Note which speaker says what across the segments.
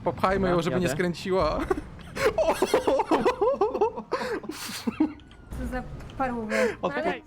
Speaker 1: Popchajmy ją, żeby nie
Speaker 2: jadę.
Speaker 1: skręciła.
Speaker 3: Co za parówę.
Speaker 2: Okej.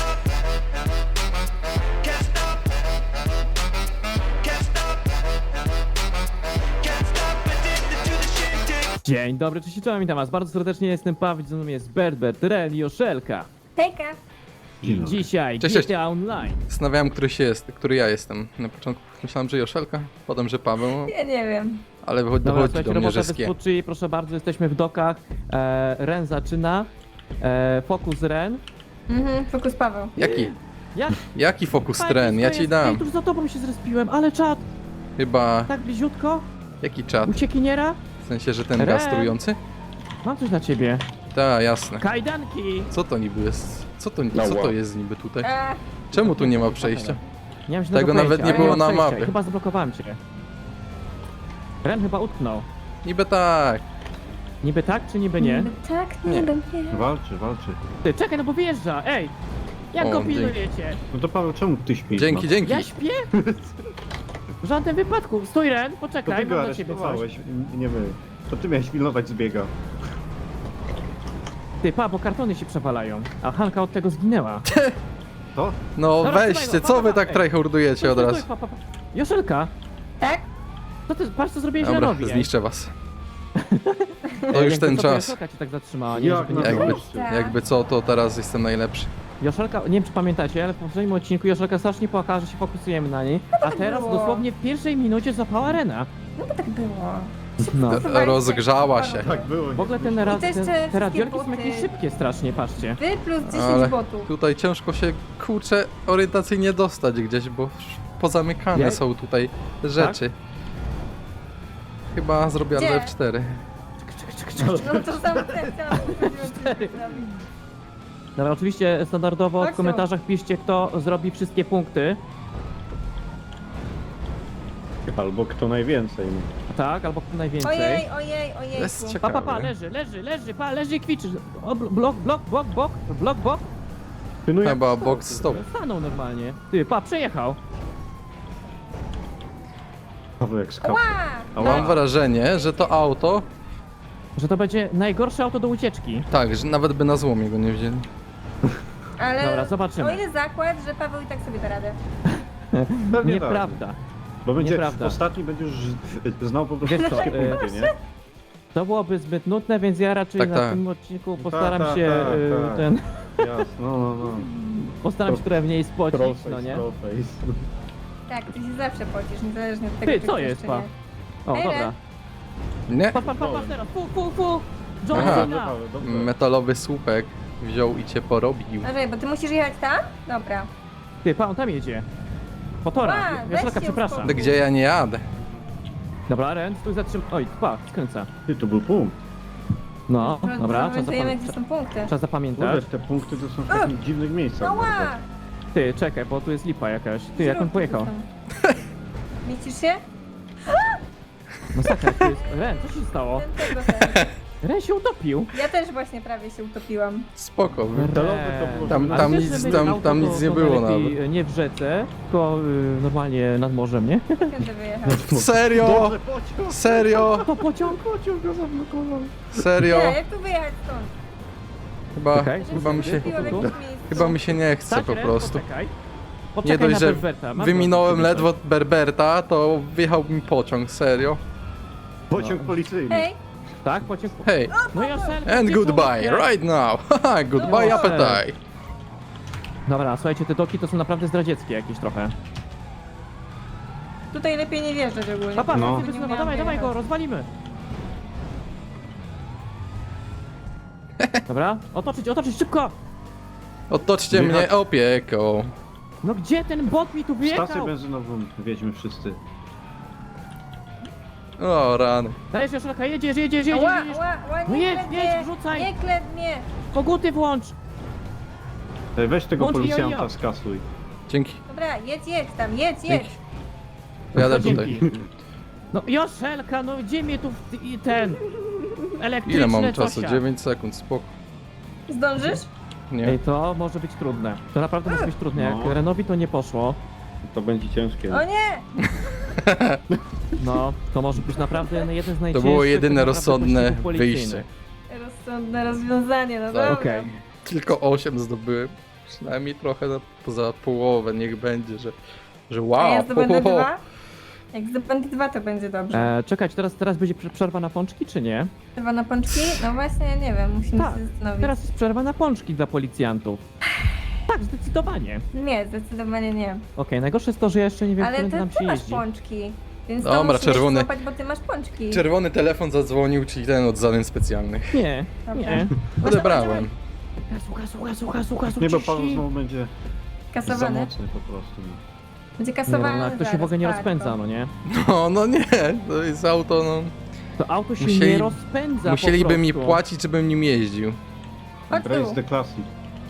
Speaker 2: Dzień dobry, cześć, czołem, witam was bardzo serdecznie, jestem Paweł, ze mną jest Berbert, Ren i Joszelka.
Speaker 3: Hejka.
Speaker 2: Dzisiaj
Speaker 1: Cześć, cześć.
Speaker 2: GTA Online.
Speaker 1: Zastanawiałem, który ja jestem. Na początku myślałem, że Joszelka, potem, że Paweł,
Speaker 3: Ja nie wiem.
Speaker 1: ale
Speaker 2: Dobra,
Speaker 1: dochodzi
Speaker 2: słuchajcie,
Speaker 1: do mnie,
Speaker 2: robota
Speaker 1: że
Speaker 2: bez
Speaker 1: skie.
Speaker 2: podczyi, proszę bardzo, jesteśmy w dokach. Ren zaczyna. Fokus Ren.
Speaker 3: Fokus Paweł.
Speaker 2: Jak?
Speaker 1: Jaki fokus
Speaker 2: Tak,
Speaker 1: tren? Ja
Speaker 2: blisko
Speaker 1: ci
Speaker 2: jest.
Speaker 1: dam.
Speaker 2: Ej, tuż za tobą się zrespiłem, ale czad,
Speaker 1: Chyba...
Speaker 2: tak bliziutko.
Speaker 1: Jaki czat?
Speaker 2: Uciekiniera.
Speaker 1: W sensie, że ten
Speaker 2: Ren.
Speaker 1: gaz trujący?
Speaker 2: Mam coś dla ciebie.
Speaker 1: Tak, jasne.
Speaker 2: Kajdanki.
Speaker 1: Co to niby jest? Co to jest niby tutaj? Czemu tu nie ma przejścia?
Speaker 2: Nie mam żadnego
Speaker 1: Tego nawet
Speaker 2: pojęcia,
Speaker 1: nie
Speaker 2: ale
Speaker 1: było
Speaker 2: mam
Speaker 1: na
Speaker 2: przejścia
Speaker 1: mapie.
Speaker 2: i chyba zablokowałem cię. Ren chyba utknął.
Speaker 1: Niby tak.
Speaker 2: Niby tak, czy niby nie?
Speaker 3: Niby tak, niby nie.
Speaker 4: Walczy.
Speaker 2: Ty, czekaj, no bo wyjeżdża, ej! Jak
Speaker 1: O,
Speaker 2: go
Speaker 1: dzięki.
Speaker 2: pilnujecie?
Speaker 4: No to Paweł, czemu ty śpisz?
Speaker 1: Dzięki, dzięki.
Speaker 2: Ja śpię? W żadnym wypadku. Stój, Ren,
Speaker 4: To
Speaker 2: poczekaj,
Speaker 4: ty go
Speaker 2: mam dla ciebie coś.
Speaker 4: aresztowałeś, nie my. To ty miałeś pilnować zbiega.
Speaker 2: Ty, pa, bo kartony się przewalają, a Hanka od tego zginęła.
Speaker 4: To?
Speaker 1: No
Speaker 2: Dobra, trzymaj
Speaker 1: weźcie,
Speaker 2: go,
Speaker 1: co
Speaker 2: pa,
Speaker 1: wy
Speaker 2: pa,
Speaker 1: tak
Speaker 2: ej.
Speaker 1: tryhardujecie od razu?
Speaker 2: Pa. Joszelka,
Speaker 3: Tak?
Speaker 2: co ty, patrz co zrobiłeś
Speaker 1: Dobra,
Speaker 2: Renowi.
Speaker 1: zniszczę was. To już ten czas.
Speaker 2: Joszelka cię tak zatrzymała, nie?
Speaker 4: Jak
Speaker 2: Żeby nie
Speaker 4: na
Speaker 2: było.
Speaker 4: to?
Speaker 1: Jakby co, to teraz jestem najlepszy.
Speaker 2: Joszelka, nie wiem czy pamiętacie, ale w poprzednim odcinku Joszelka strasznie płakała, że się fokusujemy na niej, a teraz
Speaker 3: było.
Speaker 2: dosłownie w pierwszej minucie złapała Rena.
Speaker 3: No bo tak było.
Speaker 2: No.
Speaker 1: Rozgrzała się.
Speaker 4: Tak było.
Speaker 2: W ogóle
Speaker 4: nie
Speaker 3: I to jeszcze
Speaker 2: te
Speaker 3: wszystkie
Speaker 2: radiolki są
Speaker 3: boty.
Speaker 2: jakieś szybkie strasznie, patrzcie.
Speaker 3: Wy plus 10
Speaker 1: Ale
Speaker 3: botów.
Speaker 1: tutaj ciężko się, kurczę, orientacyjnie dostać gdzieś, bo pozamykane
Speaker 2: Jak?
Speaker 1: są tutaj rzeczy. Chyba zrobię
Speaker 3: Gdzie?
Speaker 1: F4.
Speaker 3: No to samo chciałam
Speaker 2: Cztery. Dobra, oczywiście standardowo w
Speaker 3: Chodź tu.
Speaker 2: komentarzach piszcie, kto zrobi wszystkie punkty.
Speaker 4: Albo kto najwięcej.
Speaker 2: Tak, albo kto najwięcej.
Speaker 3: Ojej.
Speaker 1: Jest
Speaker 2: Pa,
Speaker 1: ciekawe.
Speaker 2: leży i kwiczy. O, blok.
Speaker 4: Ty no jak
Speaker 1: Chyba
Speaker 4: stał,
Speaker 1: box
Speaker 4: ty?
Speaker 1: stop.
Speaker 2: Stanął normalnie. Ty, pa, przejechał.
Speaker 4: Paweł jak skapał.
Speaker 3: Ła!
Speaker 1: Mam wrażenie, że to auto,
Speaker 2: Że to będzie najgorsze auto do ucieczki.
Speaker 1: tak, że nawet by na złomie go nie wzięli.
Speaker 3: Ale
Speaker 2: Dobra, zobaczymy.
Speaker 3: o ile zakład, że Paweł i tak sobie da radę.
Speaker 4: Pewnie
Speaker 2: Nieprawda.
Speaker 4: tak. Bo będzie
Speaker 2: Nieprawda.
Speaker 4: ostatni będziesz znał po prostu
Speaker 2: Wiesz co,
Speaker 4: wszystkie punkty, nie?
Speaker 2: To byłoby zbyt nudne, więc ja raczej
Speaker 1: Tak,
Speaker 2: na
Speaker 1: tak.
Speaker 2: tym odcinku postaram
Speaker 4: tak,
Speaker 2: się
Speaker 4: tak. Jasno, no.
Speaker 2: postaram się trochę mniej spocić,
Speaker 4: Trollface,
Speaker 2: no nie?
Speaker 4: trollface.
Speaker 3: Tak, ty się zawsze pocisz, niezależnie od tego,
Speaker 2: Ty,
Speaker 3: czy
Speaker 2: co
Speaker 3: chcesz,
Speaker 2: jest,
Speaker 3: czy
Speaker 2: pa?
Speaker 3: nie.
Speaker 2: O,
Speaker 3: Ej,
Speaker 2: dobra.
Speaker 3: Ren.
Speaker 1: Nie?
Speaker 2: Pa teraz, fu. John
Speaker 1: Aha.
Speaker 4: Dobrze,
Speaker 2: Cena.
Speaker 4: Paweł, dobrze.
Speaker 1: Metalowy słupek wziął i cię porobił.
Speaker 3: Dobrze, bo ty musisz jechać tam? Dobra.
Speaker 2: Ty, pa, on tam jedzie. Po torach.
Speaker 3: Ła, weź
Speaker 2: Joszelka,
Speaker 3: się
Speaker 2: przepraszam.
Speaker 3: uspokój.
Speaker 1: Gdzie ja nie jadę?
Speaker 2: Dobra, Ren, stój Oj, pa, skręca.
Speaker 4: Ty, to był punkt.
Speaker 2: No, dobra,
Speaker 3: Wiemy, gdzie są punkty.
Speaker 2: trzeba zapamiętać.
Speaker 4: Kurde, te punkty to są w takich dziwnych miejscach.
Speaker 3: Ała!
Speaker 2: Ty, czekaj, bo tu jest lipa jakaś. Ty, jak on pojechał?
Speaker 3: Mieścisz się?
Speaker 2: Masakra, tu jest... Ren, co się stało?
Speaker 3: Ten.
Speaker 2: Ren się utopił.
Speaker 3: Ja też właśnie prawie się utopiłam.
Speaker 1: Spoko.
Speaker 4: Metalowy to było...
Speaker 1: Tam-
Speaker 2: Ale
Speaker 1: tam
Speaker 2: wiesz,
Speaker 1: nic-
Speaker 2: że my
Speaker 1: tam-
Speaker 2: auto
Speaker 1: tam
Speaker 2: to-
Speaker 1: nic nie
Speaker 2: to
Speaker 1: było
Speaker 2: najlepiej nie w rzece, tylko normalnie nad morzem, nie?
Speaker 3: Kiedy wyjechać?
Speaker 1: Serio?
Speaker 4: Dobrze, pociąg!
Speaker 1: Serio?
Speaker 2: To pociąg.
Speaker 4: Go zablokował.
Speaker 1: Serio?
Speaker 3: Nie, jak tu wyjechać stąd?
Speaker 1: Chyba,
Speaker 2: Okej,
Speaker 1: chyba mi się...
Speaker 3: Zgubiła w jakimś miejscu.
Speaker 1: Chyba mi się nie chce
Speaker 2: Stać,
Speaker 1: po
Speaker 2: Ren,
Speaker 1: prostu.
Speaker 2: Poczekaj.
Speaker 1: Nie
Speaker 2: Poczekaj
Speaker 1: dość,
Speaker 2: na
Speaker 1: że
Speaker 2: Berberta. Masz
Speaker 1: wyminąłem
Speaker 2: go.
Speaker 1: ledwo Berberta, to wjechał mi pociąg, serio.
Speaker 4: Pociąg policyjny.
Speaker 3: Hej,
Speaker 2: Tak, pociąg.
Speaker 1: Hej,
Speaker 2: No i Joszelka,
Speaker 1: and
Speaker 2: gdzie
Speaker 1: goodbye,
Speaker 2: tu?
Speaker 1: right now. Haha, goodbye
Speaker 2: No,
Speaker 1: appetite.
Speaker 2: Dobra, słuchajcie, te doki to są naprawdę zdradzieckie jakieś trochę.
Speaker 3: tutaj lepiej nie wjeżdżać ogólnie.
Speaker 2: Papa,
Speaker 4: No.
Speaker 2: no. dawaj go, rozwalimy. Dobra, otoczyć, szybko!
Speaker 1: Otoczcie mnie opieką.
Speaker 2: No gdzie ten bot mi tu
Speaker 4: Stację
Speaker 2: wyjechał?
Speaker 4: benzynową wiedźmy wszyscy.
Speaker 1: O rany.
Speaker 2: Dajesz, Joszelka, jedziesz.
Speaker 3: Ła,
Speaker 2: No
Speaker 3: nie
Speaker 2: jedź,
Speaker 3: klep
Speaker 2: jedź,
Speaker 3: mnie,
Speaker 2: wrzucaj.
Speaker 3: nie klep mnie.
Speaker 2: Koguty włącz!
Speaker 4: Weź tego
Speaker 2: Włącz
Speaker 4: policjanta
Speaker 2: jojo.
Speaker 4: skasuj.
Speaker 1: Dzięki.
Speaker 3: Dobra, jedź tam, jedź.
Speaker 1: Dzięki. Jadę tutaj.
Speaker 2: Dzięki. No Joszelka, no gdzie mnie tu ten elektryczny
Speaker 1: Ile mam czasu?
Speaker 2: cosia?
Speaker 1: 9 sekund, spoko.
Speaker 3: Zdążysz?
Speaker 1: Nie.
Speaker 2: Ej, to może być trudne. To naprawdę może być trudne. Jak
Speaker 4: No.
Speaker 2: Renowi to nie poszło.
Speaker 4: To będzie ciężkie.
Speaker 3: O nie!
Speaker 2: No, to może być naprawdę jeden z
Speaker 1: To
Speaker 2: najcięższych...
Speaker 1: było jedyne
Speaker 2: tak naprawdę
Speaker 1: rozsądne
Speaker 2: pościgów policyjnych.
Speaker 1: wyjście.
Speaker 3: Rozsądne rozwiązanie, no
Speaker 1: Tak.
Speaker 3: dobra.
Speaker 2: Okej.
Speaker 1: Tylko 8 zdobyłem. Przynajmniej trochę poza połowę, niech będzie, że wow.
Speaker 3: A ja zdobędę
Speaker 1: ho, ho, ho.
Speaker 3: 2? Jak zdobędę 2, to będzie dobrze.
Speaker 2: Czekać, teraz będzie przerwa na pączki, czy nie?
Speaker 3: Chyba na pączki? No właśnie, ja nie wiem, musimy
Speaker 2: Tak,
Speaker 3: się zastanowić.
Speaker 2: teraz jest przerwa na pączki dla policjantów. Tak, zdecydowanie.
Speaker 3: Nie, zdecydowanie nie.
Speaker 2: Okej, najgorsze jest to, że ja jeszcze nie wiem,
Speaker 3: Ale
Speaker 2: którym
Speaker 3: ty,
Speaker 2: nam
Speaker 3: ty
Speaker 2: się
Speaker 3: masz
Speaker 2: jeździ.
Speaker 3: pączki. Więc
Speaker 1: Dobra,
Speaker 3: to musimy
Speaker 1: czerwony.
Speaker 3: złapać, bo ty masz pączki.
Speaker 1: Czerwony telefon zadzwonił, czyli ten od zadań specjalnych.
Speaker 2: Nie,
Speaker 3: Dobra.
Speaker 2: nie.
Speaker 1: Odebrałem.
Speaker 2: Słuchaj,
Speaker 4: Nie, bo Paweł znowu będzie za
Speaker 3: Kasowany?
Speaker 4: mocny po prostu.
Speaker 3: Będzie
Speaker 2: Nie, no,
Speaker 3: kasowany
Speaker 2: jak to się
Speaker 3: zaraz,
Speaker 2: w ogóle nie
Speaker 3: patrz,
Speaker 2: rozpędza, no nie?
Speaker 1: No nie, to jest auto, no.
Speaker 2: To auto się
Speaker 1: Musieli-
Speaker 2: nie rozpędza
Speaker 1: Musieliby
Speaker 2: po
Speaker 1: mi
Speaker 2: prostu.
Speaker 1: płacić, żebym nim jeździł.
Speaker 3: Chodź
Speaker 4: Race
Speaker 3: tu.
Speaker 4: the Classic.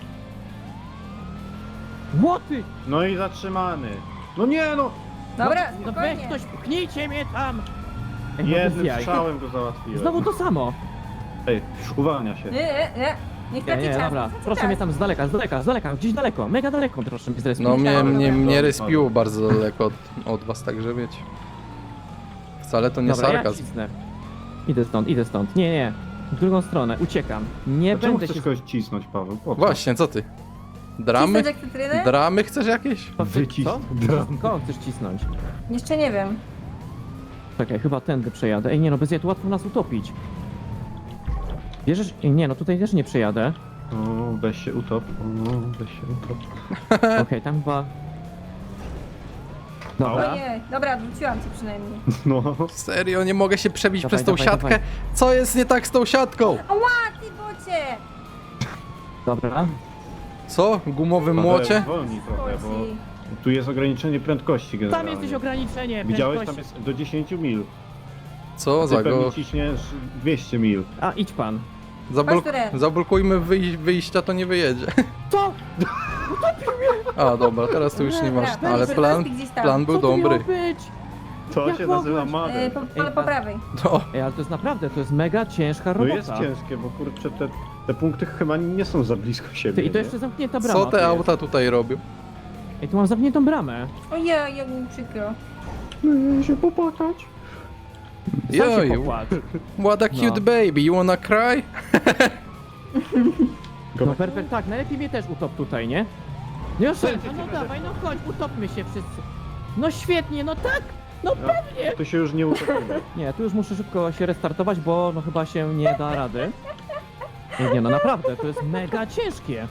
Speaker 2: Łoty!
Speaker 4: No i zatrzymany. No nie no!
Speaker 3: Dobra,
Speaker 2: No weź
Speaker 3: spokojnie.
Speaker 2: ktoś, pchnijcie mnie tam! Ej, no bez
Speaker 4: Jednym
Speaker 2: jaj.
Speaker 4: strzałem go załatwiłem.
Speaker 2: Znowu to samo.
Speaker 4: Ej, uwalnia się.
Speaker 3: Nie. Niech traci
Speaker 2: Nie,
Speaker 3: czas.
Speaker 2: dobra.
Speaker 3: traci
Speaker 2: Proszę
Speaker 3: czas.
Speaker 2: mnie tam z daleka, gdzieś daleko, mega daleko proszę mnie zrespić.
Speaker 1: No mnie
Speaker 4: Dobra.
Speaker 1: respiło bardzo daleko od was, także wiecie. Wcale to nie
Speaker 2: Dobra, ja
Speaker 1: sarkazm.
Speaker 2: cisnę. Idę stąd. Nie. W drugą stronę, uciekam. Nie
Speaker 4: Dlaczego
Speaker 2: będę
Speaker 4: chcesz
Speaker 2: się...
Speaker 4: kogoś cisnąć, Paweł? Po co?
Speaker 1: Właśnie, co ty? Dramy?
Speaker 3: Cisnąć jak cytrynę?
Speaker 1: Dramy chcesz jakieś?
Speaker 4: Wycisk.
Speaker 2: Co? Kogo chcesz cisnąć?
Speaker 3: Jeszcze nie wiem.
Speaker 2: Czekaj, chyba tędy przejadę. Ej, nie no, bez jaj, to łatwo nas utopić. Bierzesz? Ej, nie, no tutaj też nie przejadę.
Speaker 4: O, weź się utop. O, weź się utop.
Speaker 2: Okej, tam chyba... Dobra.
Speaker 3: Ojej, dobra, wróciłam ci przynajmniej.
Speaker 4: No.
Speaker 1: Serio, nie mogę się przebić
Speaker 2: Dawaj,
Speaker 1: przez tą
Speaker 2: dawaj,
Speaker 1: siatkę?
Speaker 2: dawaj.
Speaker 1: Co jest nie tak z tą siatką?
Speaker 3: Ała, ty bocie!
Speaker 2: Dobra.
Speaker 1: Co? Gumowy
Speaker 4: Paweł,
Speaker 1: młocie?
Speaker 4: Zwolnij trochę, bo
Speaker 3: Boci.
Speaker 4: tu jest ograniczenie prędkości
Speaker 2: Tam
Speaker 4: generalnie.
Speaker 2: jesteś ograniczenie
Speaker 4: Widziałeś? Tam
Speaker 2: prędkości.
Speaker 4: jest do 10 mil.
Speaker 1: Co
Speaker 4: Ty
Speaker 1: za
Speaker 4: pewnie
Speaker 1: go?
Speaker 4: ciśniesz 200 mil.
Speaker 2: A, idź pan.
Speaker 3: Chodź tu, Ren.
Speaker 1: Zablokujmy wyjścia, to nie wyjedzie.
Speaker 2: Co?
Speaker 1: A dobra, teraz to już nie masz.
Speaker 3: Dobra,
Speaker 1: Ale
Speaker 3: weź,
Speaker 1: plan,
Speaker 3: gdzieś tam.
Speaker 1: plan był
Speaker 2: Co to miało
Speaker 1: dobry.
Speaker 2: być?
Speaker 4: To
Speaker 2: Jak
Speaker 4: się
Speaker 2: mogłeś?
Speaker 4: nazywa mader.
Speaker 3: Po prawej.
Speaker 1: No,
Speaker 2: Ej, ale to jest naprawdę, to jest mega ciężka
Speaker 4: No
Speaker 2: robota.
Speaker 4: jest ciężkie, bo kurczę, te punkty chyba nie są za blisko siebie.
Speaker 2: Ty, i to
Speaker 4: nie?
Speaker 2: jeszcze zamknięta brama.
Speaker 1: co
Speaker 2: tu
Speaker 1: te
Speaker 2: jest.
Speaker 1: auta tutaj robią?
Speaker 2: Ej, tu mam zamkniętą bramę.
Speaker 3: Ojej, jak mi przykro.
Speaker 4: się popłakać.
Speaker 2: Sam się
Speaker 1: Joju.
Speaker 2: popłacz.
Speaker 1: What a cute
Speaker 2: No.
Speaker 1: baby, you wanna cry?
Speaker 2: No perfekt, tak, najlepiej mnie też utop tutaj, nie? No Joszelka, no dawaj, no chodź, utopmy się wszyscy. No świetnie, no tak! No pewnie!
Speaker 4: To się już nie utopimy.
Speaker 2: Nie, tu już muszę szybko się restartować, bo no chyba się nie da rady. Nie, no naprawdę, to jest mega ciężkie.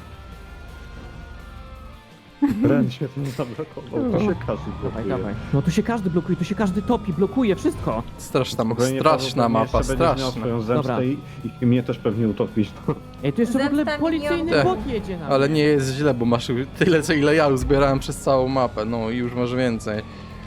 Speaker 4: Ren się tym zablokował. To się każdy
Speaker 2: Dawaj,
Speaker 4: blokuje.
Speaker 2: dawaj. No tu się każdy blokuje, tu się każdy topi, blokuje, wszystko.
Speaker 1: Straszna,
Speaker 4: Spokojnie,
Speaker 1: straszna
Speaker 4: Paweł, pewnie
Speaker 1: mapa,
Speaker 4: jeszcze będziesz miał
Speaker 1: straszna.
Speaker 4: swoją zemstę
Speaker 2: Dobra.
Speaker 4: i mnie też pewnie utopisz.
Speaker 2: Ej, tu jeszcze w ogóle
Speaker 3: Zemsta
Speaker 2: policyjny
Speaker 3: milionów.
Speaker 2: bot jedzie na
Speaker 1: Ale
Speaker 2: mnie.
Speaker 1: nie jest źle, bo masz tyle, co ile ja uzbierałem przez całą mapę. No i już masz więcej.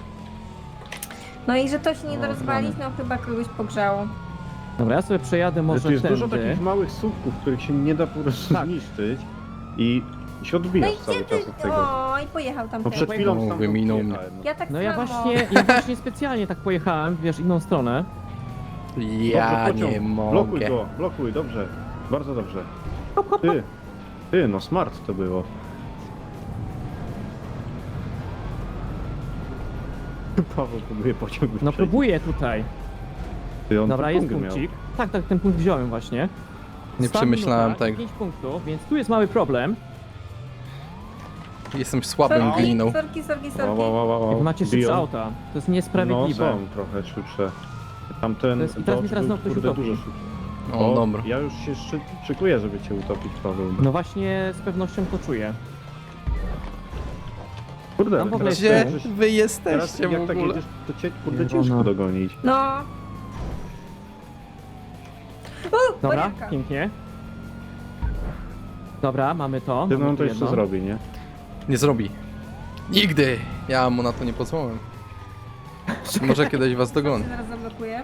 Speaker 3: No i że to się nie da
Speaker 2: O,
Speaker 3: rozwalić, no chyba kogoś pogrzało.
Speaker 2: Dobra, ja sobie przejadę
Speaker 4: Ale
Speaker 2: może
Speaker 4: tu jest dużo
Speaker 2: tędy.
Speaker 4: takich małych słupków, których się nie da po prostu
Speaker 2: Tak.
Speaker 4: zniszczyć i się
Speaker 3: No
Speaker 4: odbijasz
Speaker 3: i
Speaker 4: cały
Speaker 3: gdzie ty?
Speaker 4: czas od tego.
Speaker 3: O, i pojechał tam
Speaker 4: No przed
Speaker 3: ten.
Speaker 4: chwilą
Speaker 1: No,
Speaker 4: stamtąd
Speaker 1: wyminął mnie.
Speaker 4: jechałem, no.
Speaker 3: Ja tak
Speaker 2: No
Speaker 3: samo.
Speaker 2: ja właśnie specjalnie tak pojechałem, wiesz, inną stronę.
Speaker 1: Ja
Speaker 4: Dobrze, pociąg.
Speaker 1: nie
Speaker 4: Blokuj
Speaker 1: mogę.
Speaker 4: go, blokuj, dobrze. Bardzo dobrze.
Speaker 2: Hop, hop, hop.
Speaker 4: Ty, no smart to było. Paweł próbuje pociąg
Speaker 2: No
Speaker 4: wyprzedzić.
Speaker 2: próbuję tutaj.
Speaker 4: Ty, on
Speaker 2: Dobra,
Speaker 4: tu
Speaker 2: jest
Speaker 4: punkty miał.
Speaker 2: punkcik. Tak, tak, ten punkt wziąłem właśnie.
Speaker 1: Nie
Speaker 2: Sta
Speaker 1: przemyślałem
Speaker 2: minuta,
Speaker 1: tego.
Speaker 2: 5 punktów, więc tu jest mały problem.
Speaker 1: Jestem słabym
Speaker 3: Sorki,
Speaker 1: gliną.
Speaker 3: sorki.
Speaker 2: Jak macie szybsze
Speaker 4: Biją.
Speaker 2: auta. To jest
Speaker 4: No
Speaker 2: niesprawiedliwe.
Speaker 4: są trochę szybsze. Tamten
Speaker 2: To jest- i teraz mi
Speaker 4: Dodge
Speaker 2: znowu
Speaker 4: był,
Speaker 2: ktoś
Speaker 4: kurde,
Speaker 2: utopi.
Speaker 4: dużo szybszy.
Speaker 1: O, dobra.
Speaker 4: Ja już się szykuję, żeby cię utopić, Paweł.
Speaker 2: No właśnie z pewnością to czuję.
Speaker 4: Kurde,
Speaker 2: tam w ogóle
Speaker 4: teraz,
Speaker 1: Gdzie
Speaker 2: jest-
Speaker 1: wy
Speaker 4: teraz
Speaker 1: jesteście
Speaker 4: jak
Speaker 1: w
Speaker 4: tak
Speaker 1: ogóle?
Speaker 4: jedziesz, to cię kurde
Speaker 2: Zielona.
Speaker 4: ciężko dogonić.
Speaker 3: No.
Speaker 2: Dobra,
Speaker 3: Bariarka.
Speaker 2: pięknie. Dobra, mamy to.
Speaker 4: Ty
Speaker 2: mamy
Speaker 4: no
Speaker 2: tu
Speaker 4: to jeszcze
Speaker 2: jedno.
Speaker 4: zrobi, nie?
Speaker 1: Nie zrobi. Nigdy! Ja mu na to nie pozwolę. Może kiedyś was dogonię.
Speaker 3: Zaraz zablokuję.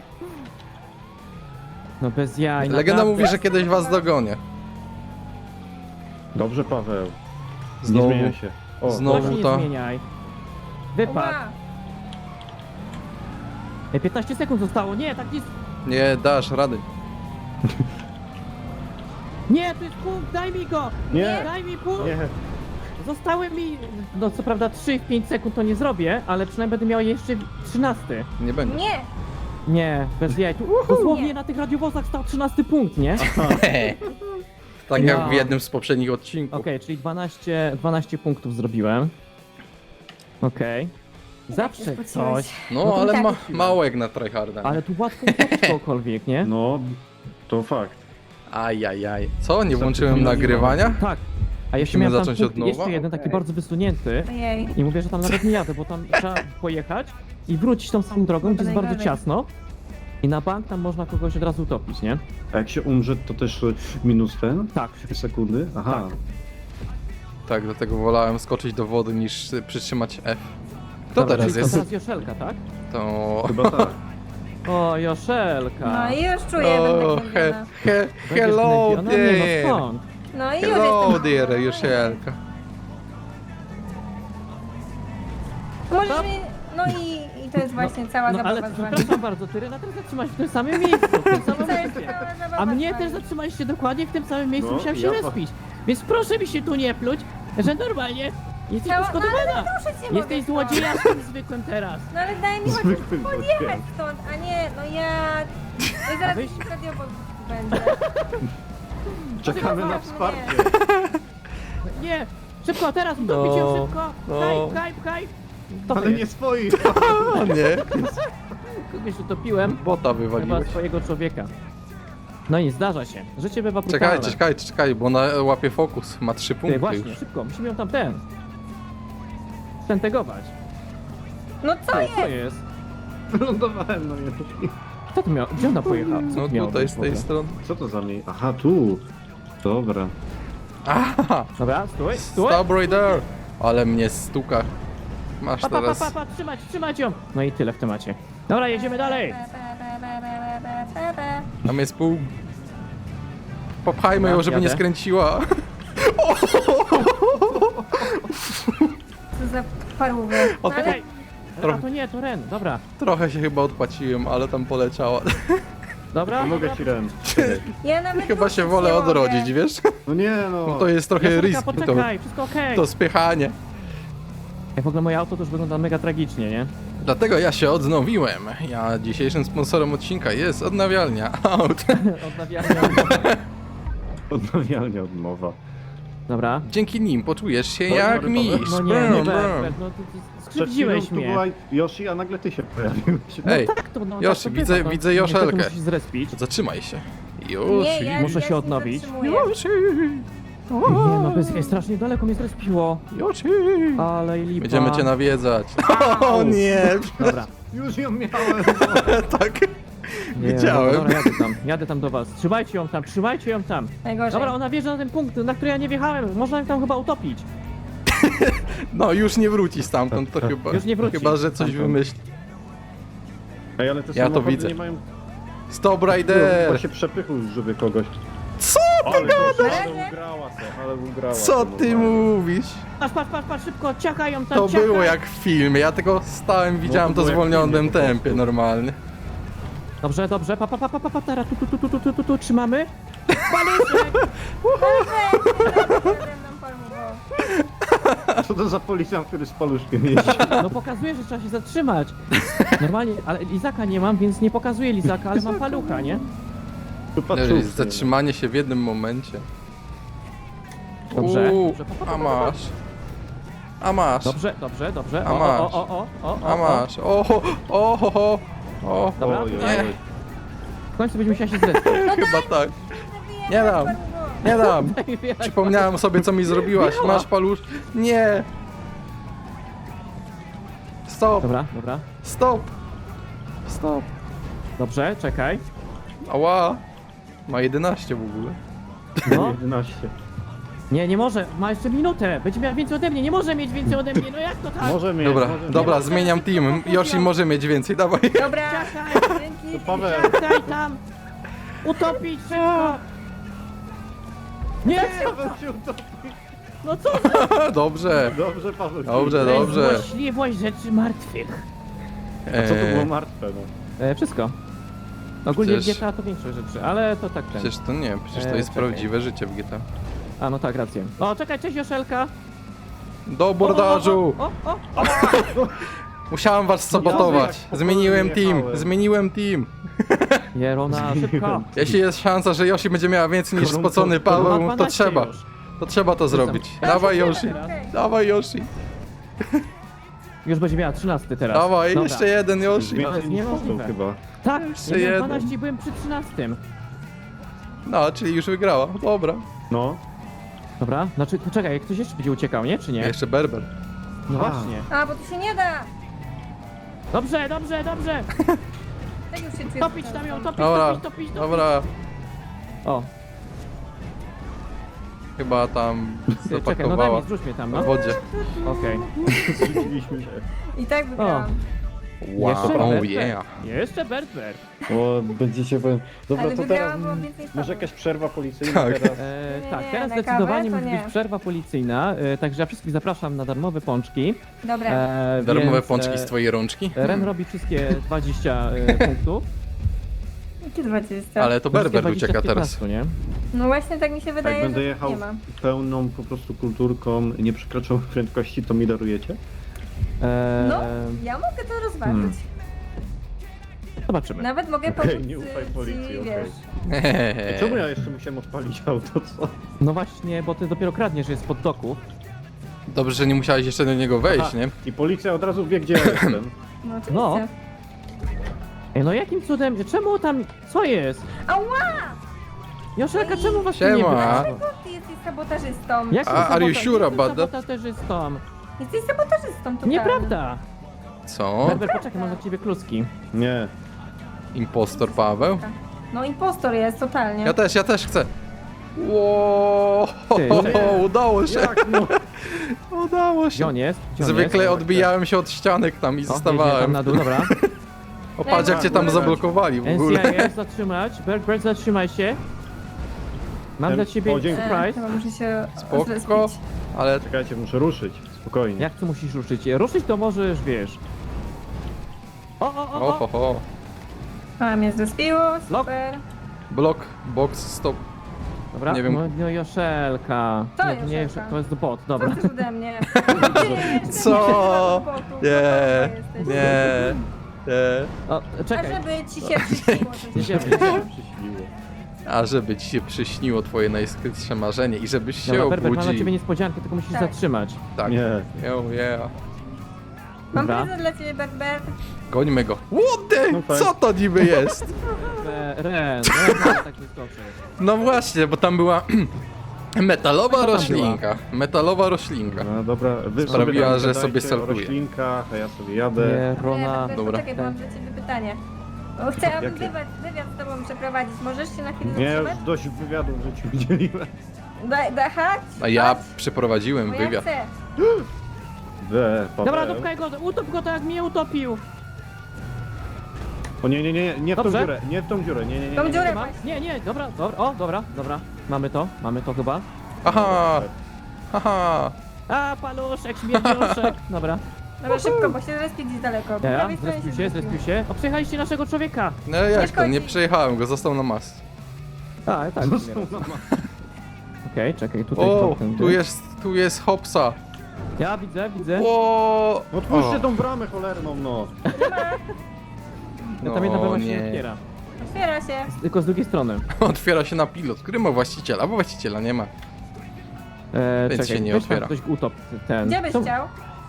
Speaker 2: No bez jaj.
Speaker 1: Legenda
Speaker 2: naprawdę.
Speaker 1: mówi, że kiedyś was dogonię.
Speaker 4: Dobrze, Paweł.
Speaker 1: Znowu.
Speaker 4: Nie zmienia się. O,
Speaker 1: Znowu.
Speaker 2: Właśnie nie
Speaker 1: to-
Speaker 2: zmieniaj. Wypad.
Speaker 3: Ła.
Speaker 2: Ej, 15 sekund zostało. Nie, tak jest.
Speaker 1: Nie dasz rady.
Speaker 2: Nie, to jest punkt, daj mi go!
Speaker 4: Nie.
Speaker 2: Daj mi punkt!
Speaker 4: Nie,
Speaker 2: Zostały mi, no co prawda 3 w 5 sekund to nie zrobię, ale przynajmniej będę miał jeszcze 13.
Speaker 1: Nie będzie.
Speaker 3: Nie!
Speaker 2: Nie, bez jaj. Tu dosłownie
Speaker 3: Nie.
Speaker 2: na tych radiowozach stał 13 punkt, nie?
Speaker 1: Tak
Speaker 2: Ja.
Speaker 1: jak w jednym z poprzednich odcinków.
Speaker 2: Okej, czyli 12 punktów zrobiłem. Okej. Zawsze
Speaker 3: Tak się
Speaker 2: coś.
Speaker 3: spodziewać.
Speaker 1: No,
Speaker 2: No to
Speaker 1: ale
Speaker 3: tak
Speaker 1: mało jak na tryharda.
Speaker 2: Ale tu łatwo utopić kogokolwiek, nie?
Speaker 4: No, to fakt.
Speaker 1: Ajajaj. Co? Nie
Speaker 4: Co,
Speaker 1: włączyłem
Speaker 4: ty
Speaker 1: nagrywania?
Speaker 2: Tak. A jeszcze
Speaker 1: Musimy
Speaker 2: miałem tam
Speaker 1: zacząć
Speaker 2: punkt,
Speaker 1: od nowa?
Speaker 2: jeszcze jeden taki
Speaker 3: Okej.
Speaker 2: bardzo wysunięty.
Speaker 3: Ojej.
Speaker 2: I mówię, że tam nawet nie jadę, bo tam trzeba pojechać i wrócić tą samą drogą, gdzie jest bardzo
Speaker 3: najgorzej.
Speaker 2: ciasno. I na bank tam można kogoś od razu utopić, nie?
Speaker 4: A jak się umrze, to też minus ten?
Speaker 2: Tak.
Speaker 4: Sekundy? Aha.
Speaker 1: Tak, dlatego wolałem skoczyć do wody niż przytrzymać F. Kto
Speaker 2: Dobra,
Speaker 1: teraz
Speaker 2: czyli
Speaker 1: jest?
Speaker 2: To teraz Joszelka, tak?
Speaker 1: To...
Speaker 4: Chyba tak.
Speaker 2: O, Joszelka.
Speaker 3: No i już czuję, będę
Speaker 1: O,
Speaker 3: gnębiona.
Speaker 2: Będziesz
Speaker 1: hello
Speaker 2: gnębiona? Nie, no
Speaker 1: there!
Speaker 2: skąd?
Speaker 3: No i już
Speaker 1: Hello
Speaker 3: jestem
Speaker 1: there,
Speaker 3: gnębiona.
Speaker 1: Joszelka.
Speaker 3: Możesz mi... No i to jest właśnie cała
Speaker 2: No ale
Speaker 3: zabawa z wami.
Speaker 2: przepraszam bardzo, ty Renata też zatrzymałeś w tym samym miejscu, w tym samym
Speaker 3: To jest
Speaker 2: momencie.
Speaker 3: cała zabawa
Speaker 2: A mnie
Speaker 3: z wami.
Speaker 2: też zatrzymaliście dokładnie w tym samym miejscu,
Speaker 4: No,
Speaker 2: musiałem się
Speaker 4: ja-
Speaker 2: respić. Więc proszę mi się tu nie pluć, że normalnie jesteś
Speaker 3: Cała... No ale
Speaker 2: poszkodowana.
Speaker 3: proszę cię
Speaker 2: Jesteś
Speaker 3: mogę stąd.
Speaker 2: złodziejastym zwykłym teraz.
Speaker 3: No ale daj mi chociaż
Speaker 4: Zwykły
Speaker 3: podjechać
Speaker 4: złodziej.
Speaker 3: stąd, a nie, no ja... No i zaraz
Speaker 2: weź-
Speaker 3: jakiś radiowóz będzie.
Speaker 4: Czekamy na
Speaker 3: Nie.
Speaker 4: wsparcie.
Speaker 2: Nie, szybko, teraz utopić ją,
Speaker 1: No,
Speaker 2: szybko.
Speaker 1: no.
Speaker 2: Pchaj, pchaj. To
Speaker 4: Ale nie
Speaker 2: jest.
Speaker 4: swoich.
Speaker 1: O nie,
Speaker 2: Kogoś utopiłem,
Speaker 1: bota
Speaker 2: chyba
Speaker 1: wywaliłeś.
Speaker 2: swojego człowieka. No i zdarza się. Życie bywa brutalne.
Speaker 1: Czekaj, bo ona łapie fokus. Ma 3
Speaker 2: Ty,
Speaker 1: punkty
Speaker 2: właśnie,
Speaker 1: już.
Speaker 2: szybko, musimy ją tam stentegować.
Speaker 3: No co
Speaker 2: Co
Speaker 3: jest?
Speaker 2: jest?
Speaker 4: Wylądowałem, no nie.
Speaker 2: Co tu miał? Gdzie ona pojechała? Co
Speaker 1: No
Speaker 2: tu miało
Speaker 1: tutaj
Speaker 2: być
Speaker 1: z
Speaker 2: w ogóle?
Speaker 1: tej strony.
Speaker 4: Co to za mnie? Aha, tu. Dobra.
Speaker 1: Aha!
Speaker 2: Dobra, stój, stój.
Speaker 1: Stop right there! Ale mnie stuka. Masz
Speaker 2: Pa, pa, pa,
Speaker 1: teraz...
Speaker 2: pa, pa, trzymać ją. No i tyle w temacie. Dobra, jedziemy dalej.
Speaker 1: Tam jest pół... Popchajmy ją,
Speaker 2: Dobra,
Speaker 1: żeby nie
Speaker 2: jadę.
Speaker 1: skręciła.
Speaker 3: Co za parłowy. No, ale
Speaker 2: Czekaj.
Speaker 1: Trochę-
Speaker 2: A to nie, to Ren. Dobra,
Speaker 1: Trochę się chyba odpłaciłem, ale tam poleciała.
Speaker 2: dobra.
Speaker 4: Pomogę
Speaker 2: dobra.
Speaker 4: ci, Ren.
Speaker 3: ja nawet
Speaker 1: Chyba się
Speaker 3: ruszyć
Speaker 1: wolę
Speaker 3: nie mogę.
Speaker 1: odrodzić, wiesz?
Speaker 4: No nie no.
Speaker 1: No to jest trochę
Speaker 2: Joszelka,
Speaker 1: risk, to,
Speaker 2: poczekaj, wszystko okej.
Speaker 1: to spychanie.
Speaker 2: Jak w ogóle moje auto to już wygląda mega tragicznie, nie?
Speaker 1: Dlatego ja się odnowiłem. Ja dzisiejszym sponsorem odcinka jest odnawialnia aut.
Speaker 2: Odnawialnie.
Speaker 4: Odnawialnie odmowa.
Speaker 2: Dobra.
Speaker 1: Dzięki nim poczujesz się
Speaker 4: Dobra,
Speaker 1: jak
Speaker 4: dobra.
Speaker 1: mistrz.
Speaker 2: No nie,
Speaker 1: Brum,
Speaker 2: nie,
Speaker 1: brum.
Speaker 2: Bert, no ty
Speaker 4: Przed chwilą
Speaker 2: skrzywdziłeś
Speaker 4: tu
Speaker 2: mnie.
Speaker 4: była Yoshi, a nagle ty się pojawiłeś.
Speaker 1: Ej,
Speaker 2: Tak to, no,
Speaker 1: Yoshi,
Speaker 2: tak to
Speaker 1: widzę-
Speaker 2: bywa,
Speaker 1: widzę
Speaker 2: no.
Speaker 1: Joszelkę.
Speaker 2: Niestety musisz zrespić.
Speaker 1: Zatrzymaj się.
Speaker 3: Nie,
Speaker 1: Już.
Speaker 3: ja,
Speaker 2: Muszę
Speaker 3: ja
Speaker 2: się
Speaker 3: nie
Speaker 2: odnowić.
Speaker 3: zatrzymuję.
Speaker 1: Yoshi.
Speaker 2: Nie, no bez jej strasznie daleko mnie zrespiło.
Speaker 1: Yoshi.
Speaker 2: Ale i lipa.
Speaker 1: Będziemy cię nawiedzać. O nie.
Speaker 2: Dobra.
Speaker 4: Już ją miałem.
Speaker 1: Tak.
Speaker 2: Nie,
Speaker 1: Widziałem.
Speaker 2: Dobra, jadę tam do was. Trzymajcie ją tam.
Speaker 3: Najgorzej.
Speaker 2: Dobra, ona wjeżdża na ten punkt, na który ja nie wjechałem. Można ją tam chyba utopić.
Speaker 1: No już nie wróci stamtąd, to chyba.
Speaker 2: Już nie wróci
Speaker 1: Chyba, że coś
Speaker 2: stamtąd.
Speaker 1: wymyśli.
Speaker 4: Ej, ale te
Speaker 1: Ja to
Speaker 4: samochody
Speaker 1: widzę.
Speaker 4: nie mają
Speaker 1: Stop
Speaker 4: chyba
Speaker 1: Rider!
Speaker 4: się przepychu, żeby kogoś.
Speaker 1: Co
Speaker 4: Ale
Speaker 3: gadasz?
Speaker 4: ale ugrała to, ale ugrała.
Speaker 1: Co
Speaker 4: to
Speaker 1: ty
Speaker 4: normalnie.
Speaker 1: mówisz?
Speaker 2: Patrz, szybko, ciachaj ją tam,
Speaker 1: To
Speaker 2: ciachaj.
Speaker 1: było jak w filmie, ja tylko stałem, widziałem
Speaker 4: to
Speaker 1: to w
Speaker 4: było jak w
Speaker 1: zwolnionym
Speaker 4: filmie po prostu.
Speaker 1: tempie normalnie.
Speaker 2: Dobrze, teraz tu, trzymamy. Paluszek!
Speaker 4: Co to za policjant, który z paluszkiem jeździ?
Speaker 2: No pokazuje, że trzeba się zatrzymać. Normalnie, ale lizaka nie mam, więc nie pokazuję lizaka, ale mam palucha, nie?
Speaker 4: Tu patrzę.
Speaker 1: Zatrzymanie się w jednym momencie.
Speaker 2: Dobrze,
Speaker 1: Uuu,
Speaker 2: dobrze,
Speaker 1: a masz. A masz.
Speaker 2: Dobrze.
Speaker 1: A masz. A masz. O.
Speaker 2: Dobra,
Speaker 4: Oj, oj,
Speaker 1: nie.
Speaker 4: oj.
Speaker 2: W końcu będziemy musieli się zrespić.
Speaker 1: Chyba tak. Nie dam. Nie dam. Przypomniałem sobie, co mi zrobiłaś.
Speaker 2: Miała.
Speaker 1: Masz palusz. Nie. Stop.
Speaker 2: Dobra.
Speaker 1: Stop.
Speaker 2: Dobrze, czekaj.
Speaker 1: Ała. Ma 11 w ogóle.
Speaker 2: No.
Speaker 4: 11.
Speaker 2: Nie może, ma jeszcze minutę. Będzie miała więcej ode mnie, nie może mieć więcej ode mnie, no jak to tak?
Speaker 4: Może mieć.
Speaker 1: Dobra,
Speaker 4: może
Speaker 1: dobra,
Speaker 2: mieć.
Speaker 1: zmieniam team. Yoshi może mieć więcej, dawaj.
Speaker 3: Dobra,
Speaker 2: Ciachaj,
Speaker 3: dzięki.
Speaker 4: mieć. Paweł.
Speaker 2: ciachaj tam. Utopić szybko. Nie,
Speaker 4: Paweł się utopił.
Speaker 2: no co za
Speaker 1: Dobrze.
Speaker 4: Dobrze, Paweł.
Speaker 1: Dobrze,
Speaker 2: to jest
Speaker 1: dobrze.
Speaker 2: złośliwość rzeczy martwych.
Speaker 4: A co to było martwe, no?
Speaker 2: Wszystko. Ogólnie
Speaker 1: Przecież-
Speaker 2: w GTA to większość rzeczy, ale to tak ten.
Speaker 1: Przecież to nie, przecież to jest
Speaker 2: czekaj.
Speaker 1: prawdziwe życie w GTA.
Speaker 2: A no tak, rację. O, czekaj, cześć Joszelka.
Speaker 1: Do bordażu!
Speaker 2: O!
Speaker 1: Musiałem was sabotować.
Speaker 4: jak
Speaker 1: Zmieniłem
Speaker 4: popełniłem
Speaker 1: team,
Speaker 4: jechałem.
Speaker 1: zmieniłem team.
Speaker 2: Jerona, szybko.
Speaker 1: Jeśli jest szansa, że Yoshi będzie miała więcej niż
Speaker 4: Korumpo-
Speaker 1: spocony
Speaker 2: Ma
Speaker 1: Paweł, to
Speaker 2: 12
Speaker 1: trzeba.
Speaker 2: już.
Speaker 1: To trzeba to zrobić.
Speaker 2: Teraz
Speaker 1: Dawaj
Speaker 2: jest
Speaker 1: Yoshi.
Speaker 2: jeden.
Speaker 3: Okej.
Speaker 1: Dawaj Yoshi.
Speaker 2: Już będzie miała 13 teraz.
Speaker 1: Dawaj,
Speaker 2: Dobra.
Speaker 1: jeszcze jeden Yoshi.
Speaker 2: To
Speaker 4: Więcej
Speaker 2: jest
Speaker 4: niż
Speaker 2: niemożliwe.
Speaker 4: poseł chyba.
Speaker 2: Tak,
Speaker 1: Jeszcze
Speaker 2: ja miałem
Speaker 1: jeden.
Speaker 2: 12 i byłem przy 13.
Speaker 1: No, czyli już wygrała. Dobra.
Speaker 4: No.
Speaker 2: Dobra, znaczy, czekaj, ktoś jeszcze będzie uciekał, nie? Czy nie?
Speaker 1: Jeszcze Berber.
Speaker 2: No
Speaker 4: A.
Speaker 2: właśnie.
Speaker 3: A, bo tu się nie da.
Speaker 2: Dobrze, dobrze, dobrze!
Speaker 3: Tak już się czuję.
Speaker 2: Topić tam ją, topić,
Speaker 1: Dobra,
Speaker 2: topić, topić, topić.
Speaker 1: dobra.
Speaker 2: O,
Speaker 1: Chyba tam
Speaker 2: czekaj, no daj
Speaker 1: zapakowała
Speaker 2: mi, zrzuć mnie tam,
Speaker 1: na
Speaker 2: no.
Speaker 1: wodzie.
Speaker 2: Okej.
Speaker 4: Zrzuciliśmy się.
Speaker 3: I tak wygrałam.
Speaker 2: Jeszcze
Speaker 1: Wow, oh
Speaker 2: Berber.
Speaker 1: yeah.
Speaker 2: Jeszcze Berber.
Speaker 4: O, będziecie powiem. Dobra,
Speaker 3: Ale
Speaker 4: to
Speaker 3: wygrałam,
Speaker 4: teraz
Speaker 3: byłam więcej z
Speaker 4: może
Speaker 3: tobą.
Speaker 4: jakaś przerwa policyjna
Speaker 1: Tak.
Speaker 4: teraz.
Speaker 3: Nie,
Speaker 2: Tak,
Speaker 3: nie,
Speaker 2: teraz
Speaker 3: na
Speaker 2: zdecydowanie
Speaker 3: kawę to
Speaker 2: musi być
Speaker 3: nie.
Speaker 2: przerwa policyjna, także ja wszystkich zapraszam na darmowe pączki.
Speaker 3: Dobra.
Speaker 1: Darmowe
Speaker 2: Więc,
Speaker 1: pączki z twojej rączki?
Speaker 2: Ren robi wszystkie 20 punktów.
Speaker 3: Jakie 20?
Speaker 1: Ale to
Speaker 2: Wszystkie
Speaker 1: Berber
Speaker 2: 20
Speaker 1: ucieka
Speaker 2: z
Speaker 1: teraz.
Speaker 2: 15, nie?
Speaker 3: No właśnie tak mi się
Speaker 4: Jak
Speaker 3: wydaje,
Speaker 4: będę
Speaker 3: że
Speaker 4: jechał
Speaker 3: nie ma.
Speaker 4: pełną po prostu kulturką, nie przekraczał prędkości, to mi darujecie?
Speaker 3: No, ja mogę to rozważyć.
Speaker 2: Zobaczymy.
Speaker 3: Nawet mogę
Speaker 4: Okej,
Speaker 3: pomóc
Speaker 4: nie ufaj
Speaker 3: ci,
Speaker 4: policji, okej.
Speaker 3: wiesz.
Speaker 4: Czemu ja jeszcze musiałem odpalić auto, co?
Speaker 2: No właśnie, bo ty dopiero kradniesz, że jest pod doku.
Speaker 1: Dobrze, że nie musiałeś jeszcze do niego wejść,
Speaker 4: Aha,
Speaker 1: nie?
Speaker 4: I policja od razu wie, gdzie ja jestem.
Speaker 3: No oczywiście.
Speaker 2: No. Ej, no jakim cudem, czemu tam, co jest?
Speaker 3: Ała!
Speaker 2: Joszelka, czemu was tu nie
Speaker 1: Siema.
Speaker 2: było?
Speaker 3: Dlaczego ty jesteś sabotażystą?
Speaker 2: Jak
Speaker 1: Are you sure about that?
Speaker 2: sabotażystą?
Speaker 3: Jesteś sabotażystą tutaj.
Speaker 2: Nieprawda!
Speaker 1: Co?
Speaker 2: Berber, poczekaj, mam dla ciebie kluski.
Speaker 4: Nie.
Speaker 1: Impostor Paweł?
Speaker 3: No impostor jest, totalnie.
Speaker 1: Ja też chcę. Ło,
Speaker 2: Ty,
Speaker 1: udało się,
Speaker 4: Jak no?
Speaker 1: udało
Speaker 2: Gdzie
Speaker 1: się.
Speaker 2: on jest? Gdzie on
Speaker 1: Zwykle
Speaker 2: jest?
Speaker 1: odbijałem się od ścianek tam i
Speaker 2: O, jedzie tam
Speaker 1: zostawałem.
Speaker 2: na dół, dobra.
Speaker 1: O, patrz jak cię tam zablokowali w ogóle.
Speaker 2: NCIS, zatrzymać. Bert, zatrzymaj się. Mam dla ciebie
Speaker 4: O, dzięki.
Speaker 2: surprise.
Speaker 3: Chyba muszę się
Speaker 1: Spoko,
Speaker 3: zrespić.
Speaker 1: ale
Speaker 4: Czekajcie, muszę ruszyć. Spokojnie.
Speaker 2: Jak tu musisz ruszyć? Ruszyć to możesz, wiesz. O.
Speaker 1: ho.
Speaker 3: A, mnie zrespiło, super.
Speaker 1: Blok, box, stop.
Speaker 2: Dobra,
Speaker 1: Nie wiem.
Speaker 2: no Joszelka.
Speaker 3: To
Speaker 2: Nie,
Speaker 3: Joszelka.
Speaker 2: to jest bot,
Speaker 3: Co
Speaker 2: dobra.
Speaker 3: chcesz ode mnie?
Speaker 1: Co? Nie, nie, nie.
Speaker 2: O,
Speaker 3: A
Speaker 2: czekaj.
Speaker 3: żeby ci się przyśniło coś.
Speaker 2: Jedziemy.
Speaker 4: Przyśniło.
Speaker 1: A żeby ci się przyśniło twoje najskrytsze marzenie i żebyś się
Speaker 2: Dobra, Berber, mam dla
Speaker 1: obudził.
Speaker 2: ciebie niespodziankę, tylko musisz
Speaker 3: Tak.
Speaker 2: zatrzymać.
Speaker 1: Tak.
Speaker 4: Nie.
Speaker 1: Yeah.
Speaker 3: Mam
Speaker 2: Dobra.
Speaker 3: prezent dla ciebie, Bert.
Speaker 1: Gońmy go. What the?
Speaker 4: No tak.
Speaker 1: Co to niby jest?
Speaker 2: Ren, tak nie skoczy.
Speaker 1: No właśnie, bo tam była metalowa
Speaker 2: tam była?
Speaker 1: roślinka. Metalowa roślinka.
Speaker 4: No dobra, wy
Speaker 1: Sprawiła,
Speaker 4: sobie
Speaker 1: że
Speaker 4: gadajcie
Speaker 1: sobie
Speaker 4: o
Speaker 1: saltuje.
Speaker 4: roślinkach, a ja sobie jadę.
Speaker 2: Nie, Rona.
Speaker 3: Bert,
Speaker 1: dobra.
Speaker 3: poczekaj, bo mam dla ciebie pytanie. Bo chciałabym
Speaker 4: Jakie?
Speaker 3: wywiad z tobą przeprowadzić. Możesz się na chwilę
Speaker 4: Nie, już
Speaker 3: zatrzymać?
Speaker 4: dość wywiadów w życiu udzieliłem.
Speaker 3: Chodź.
Speaker 1: A ja
Speaker 3: chodź,
Speaker 1: przeprowadziłem
Speaker 3: bo ja
Speaker 1: wywiad.
Speaker 3: chcę.
Speaker 4: Paweł.
Speaker 2: Dobra, dupkaj go, utop go tak jak mnie utopił.
Speaker 4: O nie, nie w tą
Speaker 2: Dobrze.
Speaker 4: dziurę, nie w tą dziurę, nie.
Speaker 3: Tą dziurę
Speaker 2: Ma?
Speaker 3: właśnie.
Speaker 2: Nie, dobra, dobra. Mamy to chyba.
Speaker 1: Aha, haha.
Speaker 2: A, paluszek, śmierdzioszek. Dobra.
Speaker 3: Dobra, szybko, bo się zrespię gdzieś daleko. Po
Speaker 2: Ja,
Speaker 3: prawej stronie
Speaker 2: zrespił się. O, przejechaliście naszego człowieka.
Speaker 1: No jak to, nie
Speaker 3: szkodzi.
Speaker 1: przejechałem go, został na mas.
Speaker 2: A, tak. Okej, czekaj, tutaj
Speaker 1: O,
Speaker 2: tędy.
Speaker 1: tu jest Hopsa.
Speaker 2: Ja widzę.
Speaker 1: O,
Speaker 4: Otwórzcie tą bramę cholerną, no.
Speaker 2: Ja tam jedna brama się nie
Speaker 1: nie.
Speaker 2: otwiera.
Speaker 3: Otwiera się.
Speaker 2: Tylko z drugiej strony.
Speaker 1: Otwiera się na pilot, który ma właściciela, bo właściciela nie ma. Więc
Speaker 2: Czekaj,
Speaker 1: się nie
Speaker 2: weź tam
Speaker 1: otwiera.
Speaker 2: ktoś utop ten.
Speaker 3: Gdzie byś
Speaker 2: Co-
Speaker 3: chciał?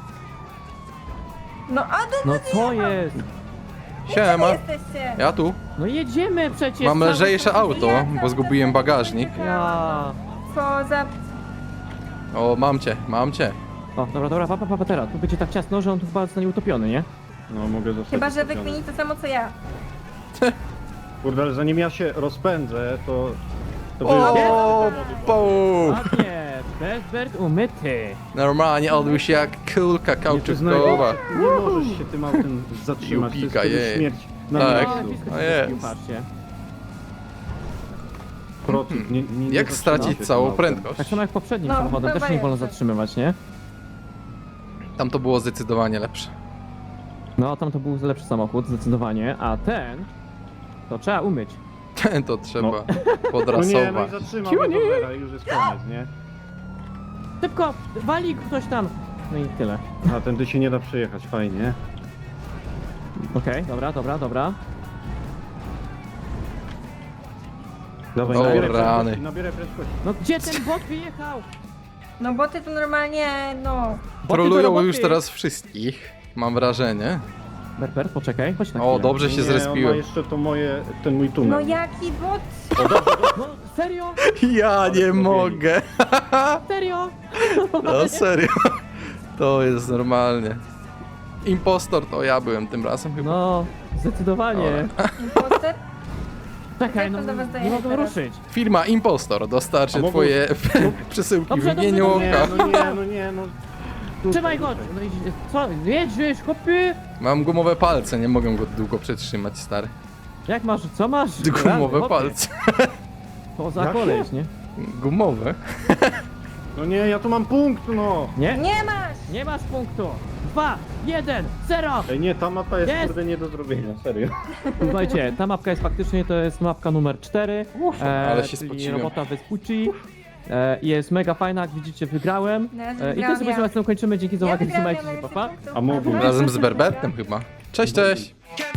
Speaker 3: No, a
Speaker 2: No co jest?
Speaker 1: Siema,
Speaker 3: jesteście?
Speaker 1: ja tu.
Speaker 2: No jedziemy przecież.
Speaker 1: Mam
Speaker 2: cały
Speaker 1: lżejsze
Speaker 2: czas.
Speaker 1: auto, bo zgubiłem bagażnik.
Speaker 2: Ja.
Speaker 3: Co za...
Speaker 1: O, mam cię.
Speaker 2: O, dobra, papa, teraz. Tu będzie tak ciasno, że on tu chyba zostanie utopiony, nie?
Speaker 4: No mogę zostać.
Speaker 3: Chyba, że
Speaker 4: utopiony.
Speaker 3: wykmini to samo co ja.
Speaker 4: Kurde, ale zanim ja się rozpędzę, to...
Speaker 1: O, po.
Speaker 2: Ładnie, Bert umyty.
Speaker 1: Normalnie odbył się jak kulka kauczynkowa.
Speaker 4: Nie możesz się tym autem zatrzymać,
Speaker 1: Jupika,
Speaker 4: to jest
Speaker 1: jej.
Speaker 4: śmierć na
Speaker 1: Tak.
Speaker 2: O,
Speaker 4: miejscu.
Speaker 2: blisko
Speaker 1: No
Speaker 2: się
Speaker 1: jest.
Speaker 2: zespił, patrzcie.
Speaker 4: Protip, nie
Speaker 1: Jak
Speaker 4: zatrzymaj się
Speaker 1: stracić
Speaker 4: tym
Speaker 1: całą
Speaker 4: autem.
Speaker 1: prędkość?
Speaker 2: Tak samo jak poprzednim
Speaker 3: No,
Speaker 2: samochodem, też
Speaker 3: chyba
Speaker 2: nie wolno
Speaker 3: jest.
Speaker 2: zatrzymywać, nie?
Speaker 1: Tam to było zdecydowanie lepsze.
Speaker 2: No, tam to był lepszy samochód, zdecydowanie, a ten... To trzeba umyć.
Speaker 1: To trzeba
Speaker 4: No nie, no i
Speaker 1: podrasować.
Speaker 4: zatrzymał mnie Bobera i już jest koniec, nie?
Speaker 2: Szybko, wali ktoś tam. No i tyle.
Speaker 4: A tędy się nie da przejechać, fajnie.
Speaker 2: Okej, dobra.
Speaker 4: Dawaj,
Speaker 1: O,
Speaker 4: nabieraj
Speaker 1: rany.
Speaker 4: prędkości, nabieraj prędkości.
Speaker 2: No gdzie ten bot wyjechał?
Speaker 3: No boty to normalnie, no.
Speaker 2: do
Speaker 1: Trolują
Speaker 2: roboty.
Speaker 1: już teraz wszystkich, mam wrażenie.
Speaker 2: Berber, poczekaj, chodź na
Speaker 1: O,
Speaker 2: chwilę.
Speaker 1: dobrze się
Speaker 4: Nie, on ma
Speaker 1: zrespiłem.
Speaker 4: jeszcze to moje, ten mój tunel.
Speaker 3: No jaki bot?
Speaker 2: No serio?
Speaker 1: Ja nie mogę.
Speaker 2: Serio?
Speaker 1: No serio. To jest normalnie. Impostor to ja byłem tym razem chyba.
Speaker 2: No, zdecydowanie.
Speaker 3: Imposter?
Speaker 2: Czekaj,
Speaker 3: Jak
Speaker 2: no
Speaker 3: to do was
Speaker 2: nie
Speaker 3: dojechać
Speaker 2: mogę
Speaker 3: teraz?
Speaker 2: ruszyć.
Speaker 1: Firma Impostor dostarczy
Speaker 4: A mogą-
Speaker 1: twoje przesyłki
Speaker 2: Dobrze,
Speaker 1: w imieniu
Speaker 2: dobrze,
Speaker 4: Nie,
Speaker 1: oka.
Speaker 4: no.
Speaker 2: Trzymaj go! No i co? Jedziesz, chłopie?
Speaker 1: Mam gumowe palce, nie mogę go długo przetrzymać, stary.
Speaker 2: Jak masz, co masz?
Speaker 1: Gumowe
Speaker 2: Chłopie,
Speaker 1: palce.
Speaker 2: To za
Speaker 4: Jakie?
Speaker 2: koleś, nie?
Speaker 1: Gumowe?
Speaker 4: No nie, ja tu mam punkt, no.
Speaker 2: Nie?
Speaker 3: Nie masz!
Speaker 2: Nie masz punktu! 2, 1, 0!
Speaker 4: Ej, nie, ta mapa jest
Speaker 2: Jest.
Speaker 4: kurde nie do zrobienia, serio.
Speaker 2: Słuchajcie, ta mapka jest faktycznie, to jest mapka numer 4.
Speaker 1: Ale się
Speaker 2: czyli
Speaker 1: spociłem.
Speaker 2: robota Vespucci. Jest mega fajna, jak widzicie, wygrałem.
Speaker 3: No, ja
Speaker 2: I
Speaker 3: wygrałam,
Speaker 2: tym sobie
Speaker 3: ja.
Speaker 2: kończymy. Dzięki za
Speaker 3: Ja
Speaker 2: uwagę,
Speaker 3: wygrałam,
Speaker 2: trzymajcie
Speaker 3: ja
Speaker 2: się,
Speaker 3: mam
Speaker 2: papa.
Speaker 3: więcej punktów.
Speaker 4: A mógłbym.
Speaker 1: Razem z Berbertem chyba. Cześć, cześć!